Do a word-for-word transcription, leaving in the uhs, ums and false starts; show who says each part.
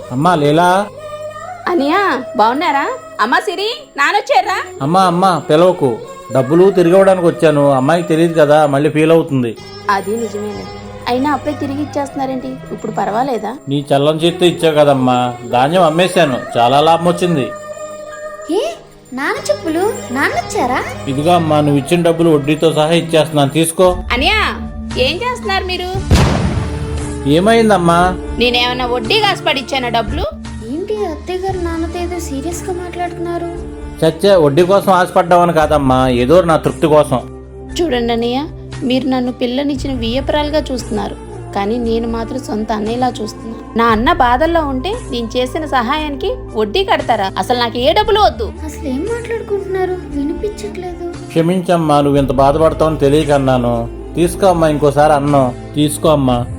Speaker 1: అమ్మా లీలా.
Speaker 2: అనియా బాగున్నారా? అమ్మా సిరి నానొచ్చారా?
Speaker 1: అమ్మా అమ్మా పిలవకు, డబ్బులు తిరిగి ఇవ్వడానికి వచ్చాను. అమ్మాయికి తెలియదు కదా, మళ్ళీ ఫీల్ అవుతుంది.
Speaker 2: అది నిజమేలే, అయినా అప్పుడే తిరిగి ఇచ్చేస్తున్నారేంటి? ఇప్పుడు పర్వాలేదా?
Speaker 1: నీ చల్లం చేత్తో ఇచ్చావు కదమ్మా, ధాన్యం అమ్మేశాను, చాలా లాభం వచ్చింది.
Speaker 3: ఏ నాన్న చెప్పులు నాన్నొచ్చారా?
Speaker 1: ఇదిగో అమ్మా, నువ్వు ఇచ్చిన డబ్బులు వడ్డీతో సహా ఇచ్చేస్తున్నాను, తీసుకో.
Speaker 2: అనియా ఏం చేస్తున్నారు మీరు?
Speaker 1: ఏమైందమ్మా?
Speaker 2: నేనేమన్నా వడ్డీ కాసి పడిచ్చానా డబ్బులు?
Speaker 3: ఏంటి అత్తయ్య గారు నాన్నతో ఏదో సీరియస్ గా మాట్లాడుతున్నారు?
Speaker 1: చచ్చే, వడ్డీ కోసం ఆశపడ్డావని కాదమ్మా, ఏదో నా తృప్తి కోసం.
Speaker 2: చూడండి అన్నయ్య, మీరు నన్ను పిల్లనిచ్చిన వియ్యపురాలుగా చూస్తున్నారు, కానీ నేను మాత్రం సొంత అన్నయ్యలా చూస్తున్నాను. నా అన్న బాధల్లో ఉంటే నేను చేసిన సహాయానికి వడ్డీ కడతారా? అసలు నాకు ఏ డబ్బులు వద్దు.
Speaker 3: అసలు ఏం మాట్లాడుకుంటున్నారు? వినిపించట్లేదు.
Speaker 1: క్షమించమ్మా, నువ్వు ఇంత బాధపడతావని తెలియకన్నాను. తీసుకో అమ్మా, ఇంకోసారి అన్నం తీసుకో అమ్మా.